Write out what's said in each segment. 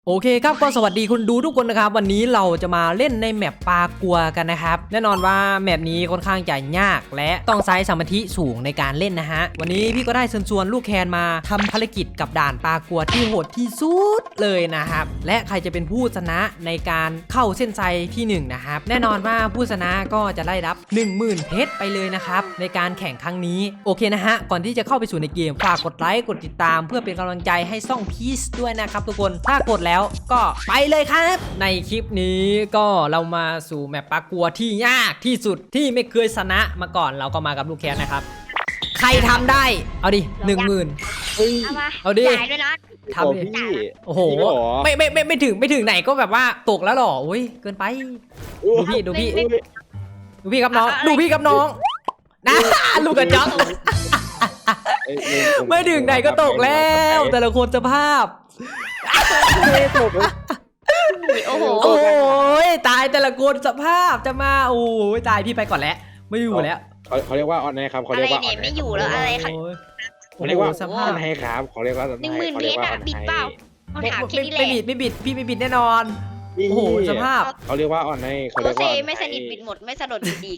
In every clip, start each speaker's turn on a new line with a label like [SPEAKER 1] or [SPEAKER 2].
[SPEAKER 1] โอเคครับก็สวัสดีคุณดูทุกคนนะครับวันนี้เราจะมาเล่นในแมปปลากัวกันนะครับแน่นอนว่าแมปนี้ค่อนข้างจะยากและต้องใช้สมาธิสูงในการเล่นนะฮะวันนี้พี่ก็ได้เชิญชวนลูกแคนมาทำภารกิจกับด่านปลากัวที่โหดที่สุดเลยนะครับและใครจะเป็นผู้ชนะในการเข้าเส้นชัยที่1นะครับแน่นอนว่าผู้ชนะก็จะได้รับ 10,000 เพชรไปเลยนะครับในการแข่งครั้งนี้โอเคนะฮะก่อนที่จะเข้าไปสู่ในเกมฝากกดไลค์กดติดตามเพื่อเป็นกำลังใจให้ช่องพีซด้วยนะครับทุกคนถ้ากดแล้วก็ไปเลยครับในคลิปนี้ก็เรามาสู่แมปปลากัวที่ยากที่สุดที่ไม่เคยชนะมาก่อนเราก็มากับลูกแคนนะครับใครทำได้เอาดิ 10,000เอาดิ
[SPEAKER 2] จ่ายด้วยนะ
[SPEAKER 1] ทำดิ
[SPEAKER 3] พี่
[SPEAKER 1] โอ้โหไม่ถึงไหนก็แบบว่าตกแล้วหรออุ้ยเกินไปดูพี่ครับน้องดูพี่ครับน้องนะลูกกระจอกไม่ถึงไหนก็ตกแล้วแต่ละคนสภาพ
[SPEAKER 2] โอ้โห
[SPEAKER 1] โอ้ยตายแต่ละคนสภาพจะมาโอ้ยตายพี่ไปก่อนแล้วไม่อยู่แล้ว
[SPEAKER 3] เขาเรียกว่าออนไลน์ครับเขา
[SPEAKER 2] อะ
[SPEAKER 3] เรี
[SPEAKER 2] ไร
[SPEAKER 3] ยกว่า
[SPEAKER 2] เนี่ยไม่อยู่แล้วอะไรค่ะ
[SPEAKER 3] เขาเรียกว่า
[SPEAKER 1] ส
[SPEAKER 3] อ
[SPEAKER 1] ภา
[SPEAKER 3] อ
[SPEAKER 1] พ
[SPEAKER 3] นไลน์ครับเขาเรียกว่า
[SPEAKER 2] 10,000 เพชรอะบิดเปล่าเอาถามแค่นี้แหละ
[SPEAKER 1] ไม่บิดพี่ไม่บิดแน่นอนโอ้โหสภาพ
[SPEAKER 3] เขาเรียกว่าออนไลน์เขา
[SPEAKER 2] โอ
[SPEAKER 3] เรียก
[SPEAKER 2] เซ
[SPEAKER 3] ว่า
[SPEAKER 2] ไม่สนิทบิดหมดไม่สะดุดบิดอีก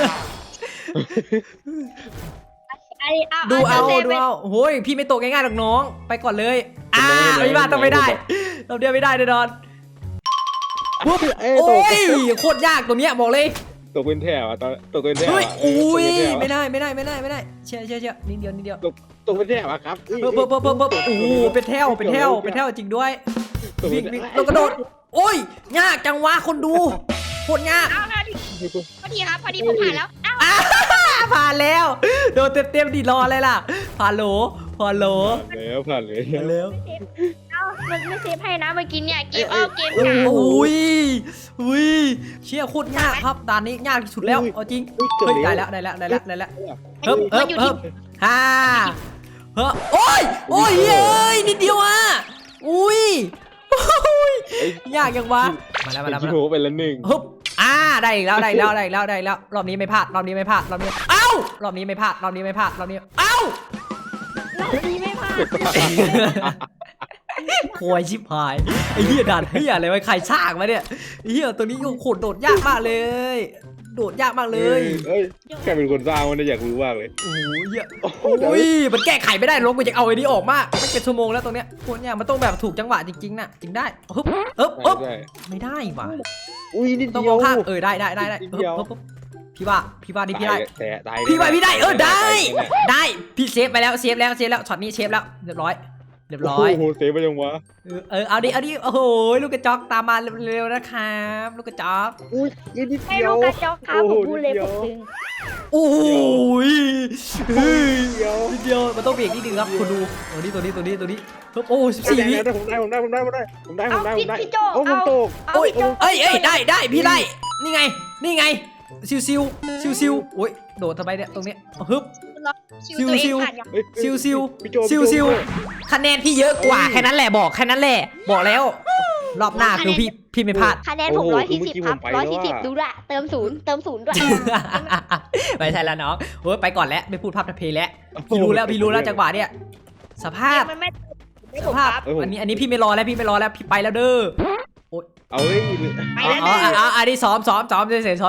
[SPEAKER 1] ดูเอาโอ้ยพี่ไม่ตกง่ายๆหรอกน้องไปก่อนเลยไม่บ้าต้องไม่ได้เราเดียวไม่ได้แน่นอนปุ๊บโอ้ยโคตรยากตัวเนี้ยบอกเลย
[SPEAKER 3] ตกเป็นแถวตอนตกเป็นแถว
[SPEAKER 1] เฮ้ยอุ้ยไม่ได้เชี่ยนิดเดียว
[SPEAKER 3] ตกเป็นแถวครับ
[SPEAKER 1] เพิ่มโอ้โหเป็นแถวจริงด้วยวิ่งเรากระโดดโอ้ยยากจังวะคนดูโคตรยาก
[SPEAKER 2] เอาพอดีครับพอดีผมผ่านแล้ว
[SPEAKER 1] ผ่านแล้วโดนเต็มดิรออะไรล่ะผ่านโหล
[SPEAKER 3] ผ่านแล้ว
[SPEAKER 2] มันไม่เซฟให้นะเมื่อกี้เนี่ยเกมเกม
[SPEAKER 1] โอ้ยเชี่ยโคตรยากครับด่านนี้ยากที่สุดแล้วเอาจริงเฮ้ยได้แล้วเฮ้ยโอ้ยเฮ้ยนิดเดียวอ่ะอุ้ยยากยังวะมาแล้ว
[SPEAKER 3] โหเป็นละหนึ่ง
[SPEAKER 1] ฮึบได้แล้วรอบนี้ไม่พลาดเอ้ารอบนี้ไม่พลาดเอ้า
[SPEAKER 2] นี่ไม่ผ่าน
[SPEAKER 1] โวยชิบหายไอ้เหี้ยด่านเหี้ยอะไรวะใครช่างมาเนี่ยไอ้เหี้ยตัวนี้โคตรโดดยากมากเลยโดดยากมากเลย
[SPEAKER 3] แค่เป็นคนสร้างมันอยากรู้มากเลย
[SPEAKER 1] โอ้ยเหี้ยโอ้ยมันแก้ไขไม่ได้ลงกูจะเอาไอ้นี้ออกมากไม่เป็นชั่วโมงแล้วตรงเนี้ยโคตรเนี่ยมันต้องแบบถูกจังหวะจริงๆน่ะจึงได้ฮึบไม่ได้ว่ะ
[SPEAKER 3] อุ้ยนิด
[SPEAKER 1] ต้อง
[SPEAKER 3] เดี
[SPEAKER 1] ม
[SPEAKER 3] ย
[SPEAKER 1] อ
[SPEAKER 3] ว
[SPEAKER 1] งข้างได้พี่ว่านี่พี่ได้
[SPEAKER 3] แต่
[SPEAKER 1] พี่ได้ได้พี่เซฟไปแล้วช็อตนี้เซฟแล้วเรียบร้อย
[SPEAKER 3] โอ้โหเซฟไปยังวะ
[SPEAKER 1] เอาดิโอ้โหลูกกระจอกตามมาเร็วนะครับลูกกระจอก
[SPEAKER 3] อุ้ยนิด
[SPEAKER 2] ให้
[SPEAKER 3] เดีย
[SPEAKER 2] ลู
[SPEAKER 3] ว
[SPEAKER 2] กกระจอกครับผมพูดเลยผมดึง
[SPEAKER 1] โอ้ย
[SPEAKER 3] เดียว
[SPEAKER 1] นิดเดียวมันต้องเบรกนิดนึงครับคุณดูตัวนี้โอ้14 วิ
[SPEAKER 3] ผมได้
[SPEAKER 2] พี่โจ
[SPEAKER 3] โอ้ผมตก
[SPEAKER 1] โอ้ยได้พี่ได้นี่ไงซิวโอ้ยโดดทำไมเนี่ยตรงนี้ฮึบซิวคะแนนพี่เยอะกว่าแค่นั้นแหละบอกแล้วรอบหน้าคือพี่ไม่พลาด
[SPEAKER 2] คะแนนผม140ครับ140ดูละเติมศูนย์ด้วย
[SPEAKER 1] ไม่ใช่แล้วน้องโอ้ยไปก่อนแล้วไม่พูดภาพทะเพแล้วพี่รู้แล้วจังหวะเนี่ยสภาพ
[SPEAKER 2] สภาพ
[SPEAKER 1] อันนี้พี่ไม่รอแล้วพี่ไปแล้วเด้อ
[SPEAKER 3] เอาเลย
[SPEAKER 2] ไปแล้ว
[SPEAKER 1] อันนี้ซ้อมเฉย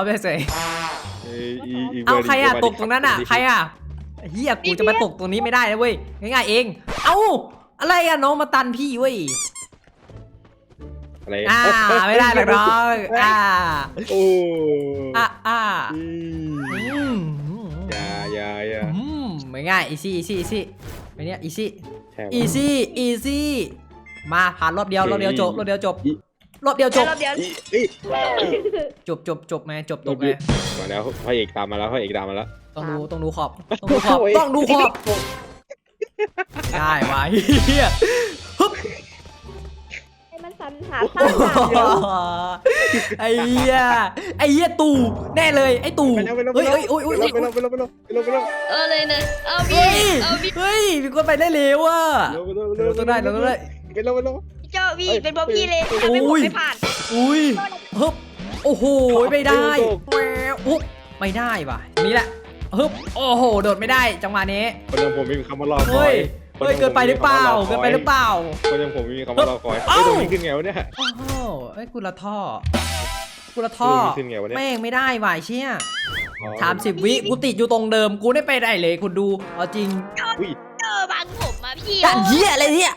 [SPEAKER 1] เอาใครอะตกตรงนั้นอะใครอะเฮียกูจะมาตกตรงนี้ไม่ได้นะเว้ยง่ายๆเองเอาอะไรอะน้องมาตันพี่เว้ย
[SPEAKER 3] อะไร
[SPEAKER 1] ไม่ได้หรอกน้อง
[SPEAKER 3] โอ้อย่า
[SPEAKER 1] ไม่ง่ายอีซี่ไปเนี่ยอีซี่มาผ่านรอบเดียวจบรอบเดียวจบจบไหมจบตกไหม
[SPEAKER 3] มาแล้วพระเอกตามมาแล้ว
[SPEAKER 1] ต้องดูขอบได้มาเฮียฮึบ
[SPEAKER 2] ให้มันสันหา
[SPEAKER 1] ไอ้เหี้ยตู่แน่เลยไอ้ตู่เฮ้ย
[SPEAKER 3] ไปเลย
[SPEAKER 2] นะเอาบี
[SPEAKER 1] เฮ้ยมีคนไปได้เร็วอ่ะเราต้องได้
[SPEAKER 3] ไปเลย
[SPEAKER 2] พี่โจบีเป็นพวกพี่เลยทำให้ผมไม่ผ่าน
[SPEAKER 1] อุ้ยฮึบโอ้โหไม่ได้อุ๊บไม่ได้ว่ะนี่แหละฮึบโอ้โหโดดไม่ได้จังหวะนี้
[SPEAKER 3] คนอย่างผมไม่มีคำว่ารอคอ
[SPEAKER 1] เฮ้
[SPEAKER 3] ย
[SPEAKER 1] เฮ้ยเกินไปหรือเปล่าเกินไปหรือเปล่า
[SPEAKER 3] คนอย่างผมมีคำว่ารอคอย
[SPEAKER 1] เอ้า
[SPEAKER 3] ตรงนี้ขึ้นไงวะเนี่ย
[SPEAKER 1] โอ้โหไอ้ยกูละท่อกูละท่อ
[SPEAKER 3] ตรงนี้ขึ้นไงวะเนี่ย
[SPEAKER 1] แม่งไม่ได้ว่ะไอ้เชี่ย
[SPEAKER 3] อ๋อ
[SPEAKER 1] 30 วิกูติดอยู่ตรงเดิมกูได้ไปได้เลยคุณดูเอาจริง
[SPEAKER 3] อุ้ย
[SPEAKER 2] เจอบังผมมาพี่
[SPEAKER 1] กันเหี้ยอะไรเนี่ย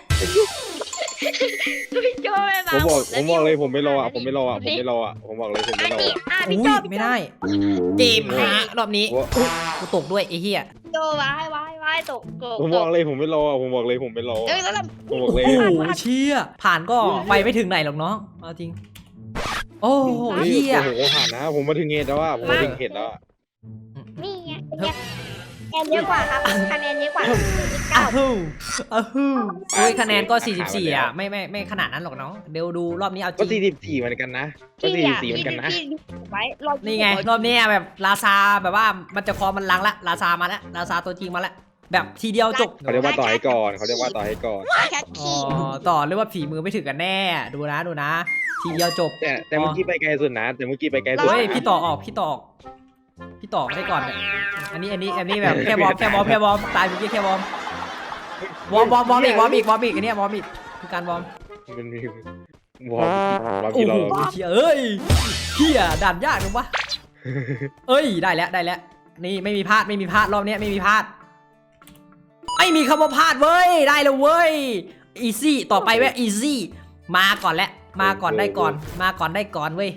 [SPEAKER 2] พี่โจไม่บั
[SPEAKER 3] ผม
[SPEAKER 2] ง
[SPEAKER 3] บอก
[SPEAKER 2] แล้ว
[SPEAKER 3] เลยผมไม่รออ่ะผมไม่รออ่ะผมไม่รออ่ะผมบอกเลยผม
[SPEAKER 2] อั
[SPEAKER 3] ไม่
[SPEAKER 2] น
[SPEAKER 3] รอ
[SPEAKER 2] นี้
[SPEAKER 3] อ่ะ
[SPEAKER 2] พี่
[SPEAKER 1] อุ้
[SPEAKER 2] โจ
[SPEAKER 1] ยไม่ได้เกมหารอบนี้
[SPEAKER 3] โอ้
[SPEAKER 1] กูตกด้วยไอ้เหี้ย
[SPEAKER 2] พี่โจไว้ตก
[SPEAKER 3] ผมบอกเลยผมไม่รออ่ะผมบอกเลยผมไม่รอ
[SPEAKER 2] เอ้ยแล้วเรา
[SPEAKER 3] ผมบอก
[SPEAKER 1] โอ้
[SPEAKER 3] เลย
[SPEAKER 1] โหเชี่ยผ่านก็ไปไม่ถึงไหนหรอกน้องเอาจริง โอ้โห
[SPEAKER 3] เฮ้ย
[SPEAKER 1] เหี้ย
[SPEAKER 3] โอ้โหผ่านนะผมมาถึงเหตุแล้วอ่ะผมมาถึงเหตุแล้วอ่ะ
[SPEAKER 2] นี่ไงคะแนนเยอะกว่าครับคะแนนเยอะกว่า
[SPEAKER 1] อ้าวอ้าวโอ้ยคะแนนก็ 44 อ่ะไม่ขนาดนั้นหรอกน้องเดี๋ยวดูรอบนี้เอาจ
[SPEAKER 3] ก็
[SPEAKER 1] ริง
[SPEAKER 3] 44เหมือนกันนะก็
[SPEAKER 2] ที่
[SPEAKER 3] 44เหมือนกันนะ
[SPEAKER 2] ที่ไว้รอบ
[SPEAKER 1] นี่ไงรอบนี้แบบลาซาแบบว่ามันจะคอมันลังละลาซามาแล้วลาซาตัวจริงมาแล้วแบบทีเดียวจบ
[SPEAKER 3] เขาเรียกว่าต่อให้ก่อนเขาเรียกว่าต่อให้ก่อน
[SPEAKER 2] แค่
[SPEAKER 1] อ๋อ
[SPEAKER 2] ขี้
[SPEAKER 1] ต่อเรียกว่าฝีมือไม่ถึงกันแน่ดูนะทีเดียวจบ
[SPEAKER 3] แต่เมื่อกี้ไปไกลสุดนะแต่เมื่อกี้ไปไกลสุด
[SPEAKER 1] เฮ้ยพี่ต่อออกได้ก่อนเนี่ยอันนี้แบบแค่วอร์มตายเมื่อกี้แค่วอร์มอีกอันเนี้ยวอร์มอีกคือการวอร์ม
[SPEAKER 3] มันมีวอร์ม
[SPEAKER 1] โอ้
[SPEAKER 3] ที่
[SPEAKER 1] โห
[SPEAKER 3] เรา
[SPEAKER 1] เอ้ยเฮียด่านยากจังวะเอ้ยได้แล้วนี่ไม่มีพลาดรอบนี้ไม่มีพลาดไม่มีคำว่าพลาดเว้ยได้แล้วเว้ยอีซี่ต่อไปเว้ยอีซี่มาก่อนได้ก่อนเว้ย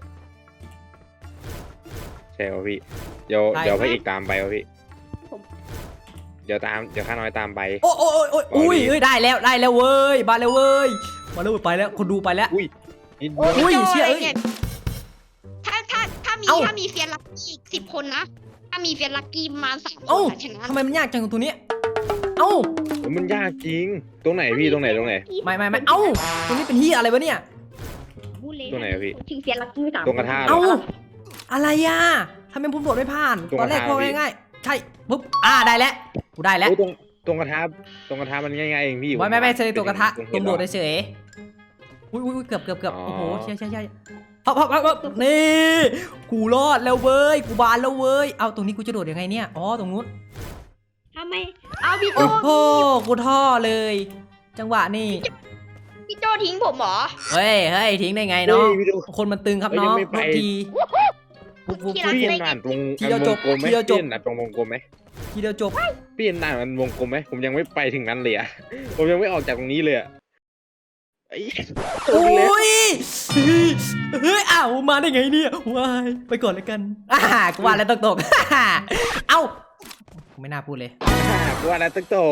[SPEAKER 3] ใช่ป่ะพี่เดี๋ยวพระเอกตามไปป่ะพี่เดี๋ยวข้าน้อยตามไป
[SPEAKER 1] โอ้อุ้ยเอ้ยได้แล้วเว้ยมาแล้วเว้ยไปแล้วคนดูไปแล้ว
[SPEAKER 3] อุ้ยนิด
[SPEAKER 1] อุ้ย
[SPEAKER 3] เดียว
[SPEAKER 1] เชี่ยเอ้ย
[SPEAKER 2] ถ้ามี
[SPEAKER 1] เอ้า
[SPEAKER 2] ถ้ามีเฟียนลักกี้10 คนนะถ้ามีเฟียนลักกี้มา3 ค
[SPEAKER 1] เอ้าน
[SPEAKER 2] ชนะ
[SPEAKER 1] ทำไมมันยากจังตัวเนี้ยเอ้า
[SPEAKER 3] มันยากจริงตรงไหนพี่ตรงไหน
[SPEAKER 1] ไม่เอ้าตัวนี้เป็นเฮียอะไรวะเนี่ย
[SPEAKER 3] ตรงไหนอะพี่
[SPEAKER 2] ถึงเฟียนลักกี้3
[SPEAKER 3] ตรงกระทะ
[SPEAKER 1] เอ้าอะไรอ่ะทำไมผมโดดไม่ผ่าน
[SPEAKER 3] ตรง
[SPEAKER 1] ตอนแรก
[SPEAKER 3] กระทะ
[SPEAKER 1] พอ
[SPEAKER 3] พี่
[SPEAKER 1] ง่ายๆใช่ปุ๊บได้แล้วกูได้แล้ว
[SPEAKER 3] โอ้ตรงกระทะมันง่ายๆเองพี่
[SPEAKER 1] ไม่เซยตัวกระทะ
[SPEAKER 3] ตรง
[SPEAKER 1] ตรงโดด
[SPEAKER 3] เห็น
[SPEAKER 1] เฉยอุ้ยเกือบ
[SPEAKER 3] อ๋อ
[SPEAKER 1] โอ้โหใช่พับนี่กูรอดแล้วเว้ยกูบานแล้วเว้ยเอาตรงนี้กูจะโดดยังไงเนี่ยอ๋อตรงนู้น
[SPEAKER 2] ทำไมเอาพี่โจ
[SPEAKER 1] โอ้โหกูท่อเลย จังหวะนี่
[SPEAKER 2] พี่โจทิ้งผมเหรอ
[SPEAKER 1] เฮ้ยทิ้งได้ไง
[SPEAKER 3] เฮ้
[SPEAKER 1] น้อง
[SPEAKER 3] ยพี่ดู
[SPEAKER 1] คนมันตึงครับ
[SPEAKER 3] เฮ้ย
[SPEAKER 1] น้อง
[SPEAKER 3] ยังไม่ไป
[SPEAKER 1] โทษทีปุ๊บ
[SPEAKER 3] พี่เห็นด่านตรง
[SPEAKER 1] ทีเดียวจบ
[SPEAKER 3] วงกลมไหม
[SPEAKER 1] ทีเดียวจบ
[SPEAKER 3] พี่เห็นด่านตรงวงกลมไหม
[SPEAKER 1] ทีเดียวจบ
[SPEAKER 3] พี่เห็นด่านมันวงกลมไหมผมยังไม่ไปถึงนั้นเลยอะ ผมยังไม่ออกจากตรงนี้เลยอะไอ้
[SPEAKER 1] โอ้ยเฮ้ยอ้าวมาได้ไงเนี่ยวายไปก่อนเลยกันกูว่าแล้วตก เอ้าไม่น่าพูดเลย
[SPEAKER 3] กูว่าแล้วตก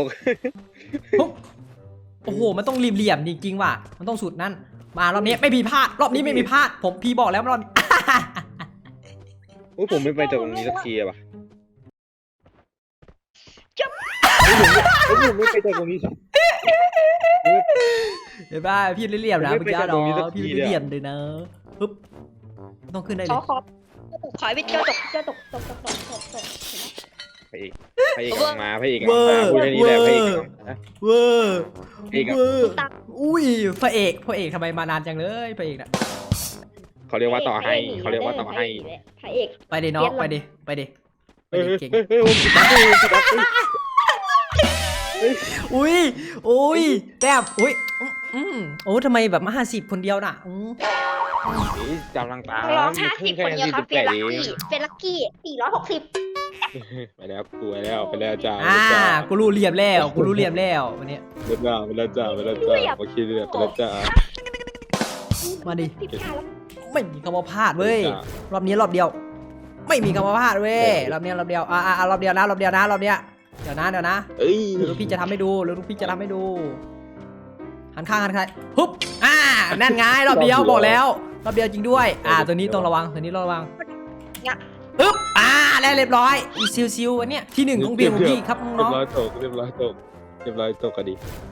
[SPEAKER 1] โอ้โหมันต้องเหลี่ยมจริงๆว่ะมันต้องสุดนั่นมารอบนี้ไม่มีพลาดรอบนี้ไม่มีพลาดผมพี่บอกแล้วรอบนี้
[SPEAKER 3] โอ้ยผมไม่ไปจากตรงนี้สักทีอะว่ะผมไม่ไปจากตรงนี้
[SPEAKER 1] เห็นป่ะพี่เหลี่ยมนะ
[SPEAKER 3] ผม
[SPEAKER 1] เมื่อ
[SPEAKER 3] ไม่
[SPEAKER 1] กี้
[SPEAKER 3] ไปจากตรงนี้
[SPEAKER 1] เนาะ
[SPEAKER 3] สักที
[SPEAKER 1] พี่
[SPEAKER 3] เลยอะ
[SPEAKER 1] เหลี่ยมเลยนะปึ๊บต้องขึ้นได้เล
[SPEAKER 2] ขอย พี่โจตกเห็นไหม
[SPEAKER 3] พระเอกกำลังมาพระเอกกำลังมาพูดแค่นี้แหละพระเอกกำลังมา
[SPEAKER 1] เวอร์
[SPEAKER 3] พระเอกอะ
[SPEAKER 1] เวอร์อุ้ยพระเอกทำไมมานานจังเลยพระเอกน่ะ
[SPEAKER 3] เขาเรียกว่าต่อให้เขาเรียกว่าต่อให้
[SPEAKER 2] พระเอก
[SPEAKER 1] ไปดิน้องไปดิเก่ง อุ้ยแต้มอุ้ยโอ้ทำไมแบบมา50คนเดียวน่ะ
[SPEAKER 3] กำลังตาม
[SPEAKER 2] ร้อง50 คนเดียวครับเฟียนลักกี้460
[SPEAKER 3] ไปแล้วไปแล้วจ้า
[SPEAKER 1] กูรู้เหลี่ยมแล้ววันนี้
[SPEAKER 3] ไปแล้วจ้าโอเคเลยไปแล้วจ้า
[SPEAKER 1] มาดิ
[SPEAKER 2] พี่ชาย
[SPEAKER 1] ไม่มีคำว่าพลาดเว้ยรอบนี้รอบเดียว ไม่มีคำว่าพลาดเว้ยรอบเดียวรอบเดียวนะรอบเดียวนะเดี๋ยวนะ
[SPEAKER 3] เอ้ย
[SPEAKER 1] เดี๋ยวลูกพี่จะทำให้ดูหันข้างปุ๊บนั่นไงรอบเดียวบอกแล้วรอบเดียวจริงด้วยตัวนี้ต้องระวังปึ๊บแล้วเรียบร้อยอีซิวอันเนี้ยที่1ของพี่ครับน้อง
[SPEAKER 3] เรียบร้อยตกก็ดี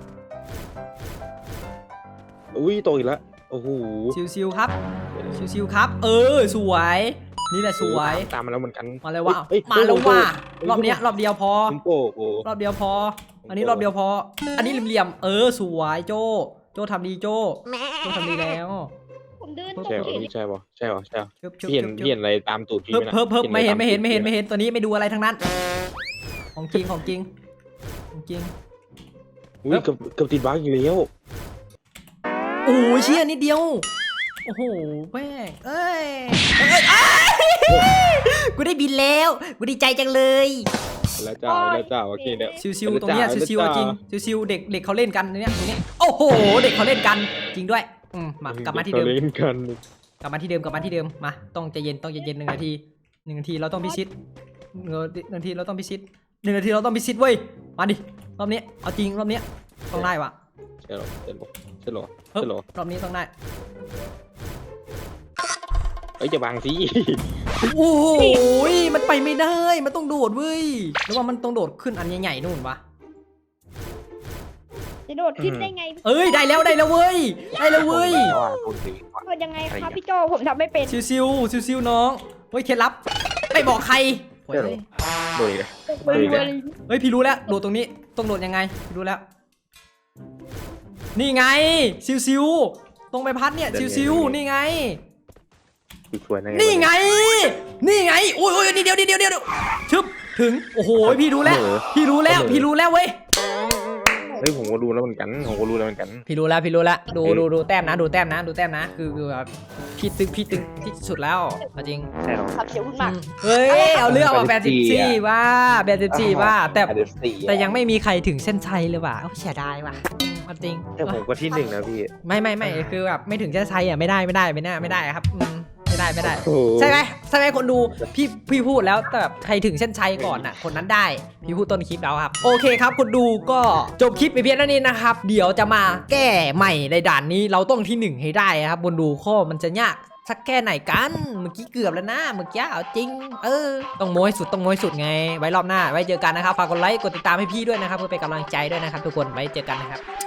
[SPEAKER 3] อุ้ยตกอีกแล้วโอ้โห
[SPEAKER 1] ซิวครับสวยนี่แหละสวย
[SPEAKER 3] ตามมาแล้วเหมือนกัน
[SPEAKER 1] มาเลยว่ารอบเนี้ยรอบเดียวพอ
[SPEAKER 3] โอ้โห
[SPEAKER 1] รอบเดียวพอ อันนี้รอบเดียวพอ อันนี้เหลี่ยมสวยโจทำดีโจทำดีแล้ว
[SPEAKER 2] ผมเดิน
[SPEAKER 3] ใช่ป่ะใช่ป่ะ
[SPEAKER 1] เพิ่
[SPEAKER 3] พี่เห็นอะไรตามตูดพี่
[SPEAKER 1] มไม่เห็นตัวนี้ไม่ดูอะไรทั้งนั้นของจริง
[SPEAKER 3] อุ้ยเกับติดบั๊กอยู่แล้ว
[SPEAKER 1] โอ้ยเชี่ยนิดเดียวโอ้โหแม่งเอ้ยกูได้บินแล้วกูดีใจจังเลย
[SPEAKER 3] แล้วจ้าโอเคเนี่ย
[SPEAKER 1] ซิวๆตรงเนี้ยซิวๆจริงซิวๆเด็กเขาเล่นกันเนี่ยตรงเนี้ยโอ้โหเด็กเขาเล่นกันจริงด้วยมากลับมาที่เดิม
[SPEAKER 3] เล่นกัน
[SPEAKER 1] กลับมาที่เดิมมาต้องใจเย็น1 นาทีเราต้องพิชิต1 นาทีเราต้องพิชิต1 นาทีเราต้องพิชิตเว้ยมาดิรอบนี้เอาจริงรอบนี้ต้องได้วะ
[SPEAKER 3] ใช่หรอ
[SPEAKER 1] รอบนี้ต้องได้
[SPEAKER 3] เอ้ยจะบังสิ
[SPEAKER 1] โอ้โหมันไปไม่ได้มันต้องโดดเว้ยหรือว่ามันต้องโดดขึ้นอันใหญ่ๆนู่นวะ
[SPEAKER 2] จะโดดขึ้นได้ไง
[SPEAKER 1] เอ้ยได้แล้วเว้ยได้แล้วเว้ย
[SPEAKER 2] โดดยังไงครับพี่โจผมทำไม่เป็น
[SPEAKER 1] ซิวน้องเฮ้ยเคล็ดลับไม่บอกใครเฮ้ย
[SPEAKER 3] โดยเลย
[SPEAKER 1] เฮ้ยพี่รู้แล้วโดดตรงนี้ต้องโดดยังไงพี่รู้แล้วนี่ไงซิวตรงใบพัดเนี่ยซิวนี่ไง
[SPEAKER 3] สวยนะ
[SPEAKER 1] นี่ไงโอ้ยนี่เดียวชึบถึงโอ้โหพี่รู้แล้วเว้ย
[SPEAKER 3] เฮ้ยผมก็รู้แล้วเหมือนกัน
[SPEAKER 1] พี่รู้แล้วดูแต้มนะคือแบบพี่ตึงที่สุดแล้วจริง
[SPEAKER 3] ใช่หรอ
[SPEAKER 2] ครับเสียวคุณมาก
[SPEAKER 1] เฮ้ยเอาเรื่องว่า84ว่าแต่ยังไม่มีใครถึงเส้นชัยเลยว่ะเสียดายว่ะจริง
[SPEAKER 3] แต่ผมก็ที่1นะพี่
[SPEAKER 1] ไม่คือแบบไม่ถึงเส้นชัยอ่ะไม่ได้ครับไม่ได้ใช่ไหมคนดูพี่พูดแล้วแต่แบบใครถึงเส้นชัยก่อนน่ะคนนั้นได้พี่พูดต้นคลิปแล้วครับโอเคครับคนดูก็จบคลิปไปเพียงเท่านี้นะครับเดี๋ยวจะมาแก้ใหม่ในด่านนี้เราต้องที่1ให้ได้ครับคนดูข้อมันจะยากสักแค่ไหนกันเมื่อกี้เกือบแล้วนะเมื่อกี้เอาจริงต้องโม้ให้สุดไงไว้รอบหน้าไว้เจอกันนะครับฝากกดไลค์กดติดตามให้พี่ด้วยนะครับเพื่อเป็นกำลังใจด้วยนะครับทุกคนไว้เจอกันนะครับ